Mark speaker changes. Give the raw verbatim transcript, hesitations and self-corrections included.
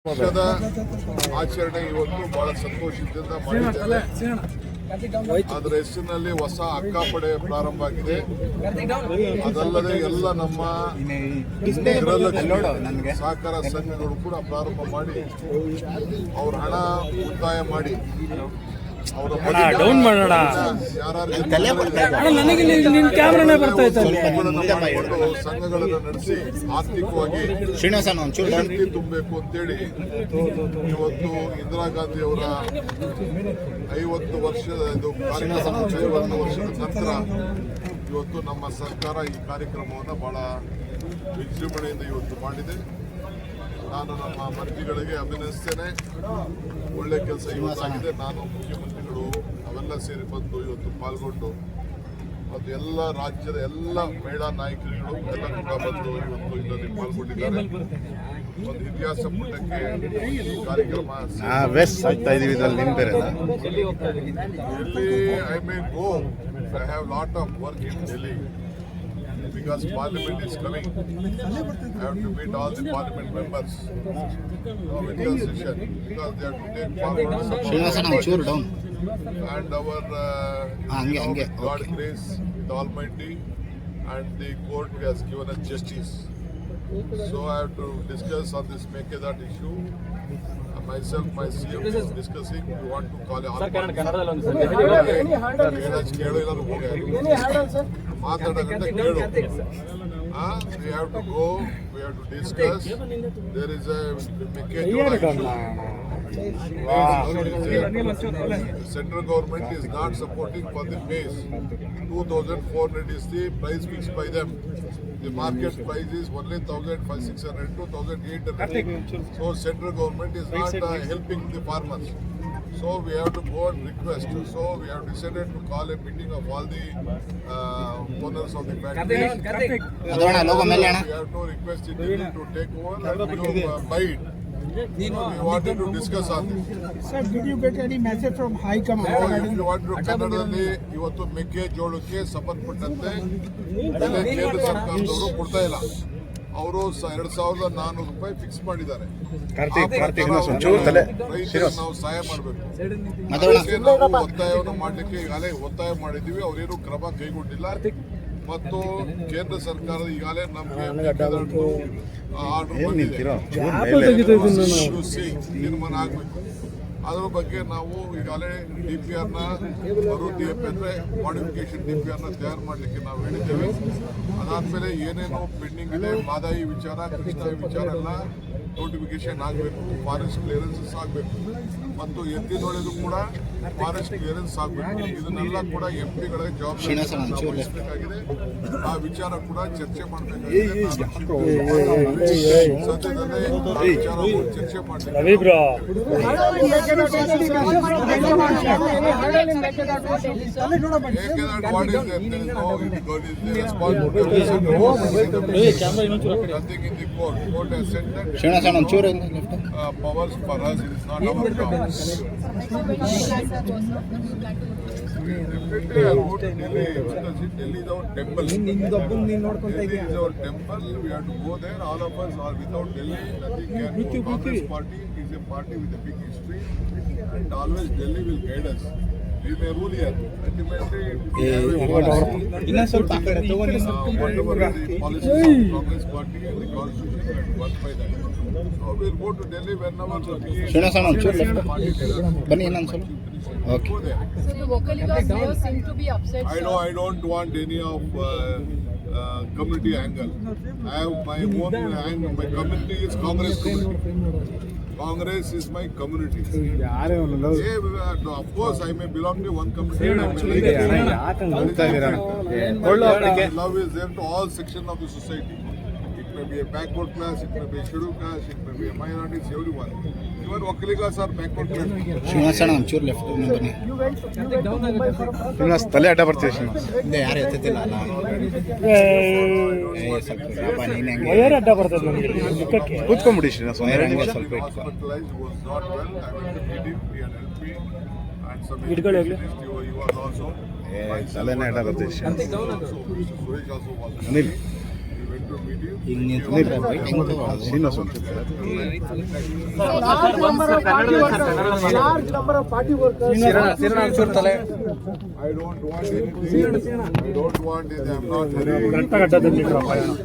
Speaker 1: ವರ್ಷದ ಆಚರಣೆ ಇವತ್ತು ಬಹಳ ಸಂತೋಷದಿಂದ ಮಾಡಿದ್ದೇವೆ. ಅದರ ಹೆಸರಿನಲ್ಲಿ ಹೊಸ ಅಕ್ಕಾಪಡೆ ಪ್ರಾರಂಭ ಆಗಿದೆ. ಅದಲ್ಲದೆ ಎಲ್ಲ ನಮ್ಮ ಗೃಹಲಕ್ಷ್ಮಿ ಸಹಕಾರ ಸಂಘಗಳು ಕೂಡ ಪ್ರಾರಂಭ ಮಾಡಿ ಅವ್ರ ಹಣ ಉಳಿತಾಯ ಮಾಡಿ ಅವರ
Speaker 2: ಡೌನ್ ಮಾಡೋಣ.
Speaker 1: ಸಂಘಗಳನ್ನು ನಡೆಸಿ ಆರ್ಥಿಕವಾಗಿ ಶಕ್ತಿ ತುಂಬಬೇಕು ಅಂತೇಳಿ ಇವತ್ತು ಇಂದಿರಾ ಗಾಂಧಿ ಅವರ ಐವತ್ತು ವರ್ಷದ ಇದು ಕಾರ್ಯಕ್ರಮ ಐವತ್ತು ವರ್ಷದ ನಂತರ ಇವತ್ತು ನಮ್ಮ ಸರ್ಕಾರ ಈ ಕಾರ್ಯಕ್ರಮವನ್ನು ಬಹಳ ವಿಜೃಂಭಣೆಯಿಂದ ಇವತ್ತು ಮಾಡಿದೆ. ನಾನು ನಮ್ಮ ಮಂತ್ರಿಗಳಿಗೆ ಅಭಿನಂದಿಸ್ತೇನೆ. ಒಳ್ಳೆ ಕೆಲಸ ಇವತ್ತಾಗಿದೆ. ನಾನು ಮುಖ್ಯಮಂತ್ರಿಗಳು ಅವೆಲ್ಲ ಸೇರಿ ಬಂದು ಇವತ್ತು ಪಾಲ್ಗೊಂಡು ಮತ್ತು ಎಲ್ಲ ರಾಜ್ಯದ ಎಲ್ಲ ಮಹಿಳಾ ನಾಯಕರುಗಳು ಎಲ್ಲ ಕೂಡ ಬಂದು ಇವತ್ತು ಇದರಲ್ಲಿ ಪಾಲ್ಗೊಂಡಿದ್ದಾರೆ. ಒಂದು ಇತಿಹಾಸ ಪುಟಕ್ಕೆ ಈ ಕಾರ್ಯಕ್ರಮ ಎಲ್ಲಿ I may go I have lot of work in Delhi because parliament is coming. I have to meet all the parliament members uh, with the session because they have to take forward some and our uh, you know, God grace the Almighty and the court has given us justice. So I have to discuss on this Mekedat issue. Uh, myself, my C M is discussing. We want to call all ಮಾತಾಡೋದಂತ ಕೇಳು. We have to go, we have to discuss. There is a Mekejola issue. The central government is not supporting for the maize. two thousand four hundred is the price fixed by them. The market price is only one thousand six hundred, two thousand eight hundred. So central government is not uh, helping the farmers. So we have to go and request. So we have decided to call a meeting of all the uh, owners of the factories. We have to request it to take over and to uh, buy it. We wanted to discuss on this.
Speaker 3: Sir, did you get any message from High Command?
Speaker 1: So if you want to ಕನ್ನಡದಲ್ಲಿ ಇವತ್ತು ಮೆಕ್ಕೆಜೋಳಕ್ಕೆ ಸಂಬಂಧಪಟ್ಟಂತೆ ಬೆಲೆ ಕೇಂದ್ರ ಸರ್ಕಾರದವರು ಕೊಡ್ತಾ ಇಲ್ಲ. ಅವರು ಎರಡ್ ಸಾವಿರದ ನಾನ್ನೂರು ರೂಪಾಯಿ ಫಿಕ್ಸ್ ಮಾಡಿದ್ದಾರೆ. ನಾವು ಸಹಾಯ ಮಾಡಬೇಕು. ನಾವು ಒತ್ತಾಯವನ್ನು ಮಾಡಲಿಕ್ಕೆ ಈಗಾಗಲೇ ಒತ್ತಾಯ ಮಾಡಿದ್ದೀವಿ. ಅವರೇನು ಕ್ರಮ ಕೈಗೊಂಡಿಲ್ಲ. ಮತ್ತು ಕೇಂದ್ರ ಸರ್ಕಾರದ ಈಗಾಗಲೇ ನಮಗೆ ಆರ್ಡರ್ ತೀರ್ಮಾನ ಆಗಬೇಕು. ಅದರ ಬಗ್ಗೆ ನಾವು ಈಗಾಗಲೇ ಡಿ ಪಿ ಆರ್ನ ಮರು ಡಿ ಎಫ್ ಅಂದರೆ ಮಾಡಿಫಿಕೇಶನ್ ಡಿ ಪಿ ಆರ್ನ ತಯಾರು ಮಾಡಲಿಕ್ಕೆ ನಾವು ಹೇಳಿದ್ದೇವೆ. ಅದಾದಮೇಲೆ ಏನೇನು ಪೆಂಡಿಂಗ್ ಇದೆ, ಮಾದಾಯಿ ವಿಚಾರ, ಕೃಷ್ಣಾಯಿ ವಿಚಾರ ಎಲ್ಲ ನೋಟಿಫಿಕೇಶನ್ ಆಗಬೇಕು. ಫಾರೆಸ್ಟ್ ಕ್ಲಿಯರೆನ್ಸಸ್ ಆಗಬೇಕು ಮತ್ತು ಎತ್ತಿನೊಳಗೂ ಕೂಡ ಫಾರೆಸ್ಟ್ ಕ್ಲಿಯರೆನ್ಸ್ ಆಗಬೇಕು. ಇದನ್ನೆಲ್ಲ ಕೂಡ ಎಂ ಪಿಗಳ ಜವಾಬ್ದಾರಿ ವಹಿಸಬೇಕಾಗಿದೆ. ಆ ವಿಚಾರ ಕೂಡ ಚರ್ಚೆ ಮಾಡಬೇಕಾಗಿದೆ. ಸದ್ಯದಲ್ಲೇ ಆ ವಿಚಾರ ಚರ್ಚೆ ಮಾಡಬೇಕು. powers for us, it is not our job. Definitely I go to Delhi because Delhi is our temple. Delhi is our temple. We have to go there. All of us are without Delhi. Nothing can go. Congress party is a party with a big history, and always Delhi will guide us. We may rule here. Ultimately, we have a policy. Whatever the policies of the Congress party and the constitution and work by that. So we'll go to Delhi whenever the P A party leaders.
Speaker 4: Okay.
Speaker 1: Go there.
Speaker 4: So the Vocaligas here seem to be upset.
Speaker 1: I know I don't want any of uh, uh, community angle. I have my own angle. My community is Congress community. Congress is my community. Yeah, of course, I may belong to one community. I may like love is there to all sections of the society. It may be a backward class, it may be a scheduled class, it may be a minority, everyone. Even Vocaligas are backward class.
Speaker 2: ಶ್ರೀನಿವಾಸಣ್ಣ ಒಂಚೂರು left ಬನ್ನಿ. ಶ್ರೀನಿವಾಸ್ ತಲೆ ಅಡ್ಡ ಬರ್ತೀವಿ ಶ್ರೀನಿವಾಸ್. ಯಾರು ಎತ್ತುತ್ತಿಲ್ಲ ಅಲ್ಲ. Wire ಅಡ್ಡ ಬರ್ತದೆ ನಮಗೆ. ಕೂತ್ಕೊಂಡ್ಬಿಡಿ ಶ್ರೀನಿವಾಸ್. ವಯರ್ ಹಂಗೆ ಸ್ವಲ್ಪ ಇಟ್ಕೊ. ಇಟ್ಕೊಳ್ಳಿ ಹೋಗ್ಲಿ. ತಲೆನೇ ಅಡ್ಡ ಬರ್ತೀವಿ Srinivas. Anil
Speaker 1: to meet you.
Speaker 2: ಈಗ ನೀವು ಶ್ರೀನಿವಾಸ್ ಒಂದು
Speaker 3: Large number of party workers. Large number of party workers.
Speaker 1: I don't want anything. I don't want it. I'm not very.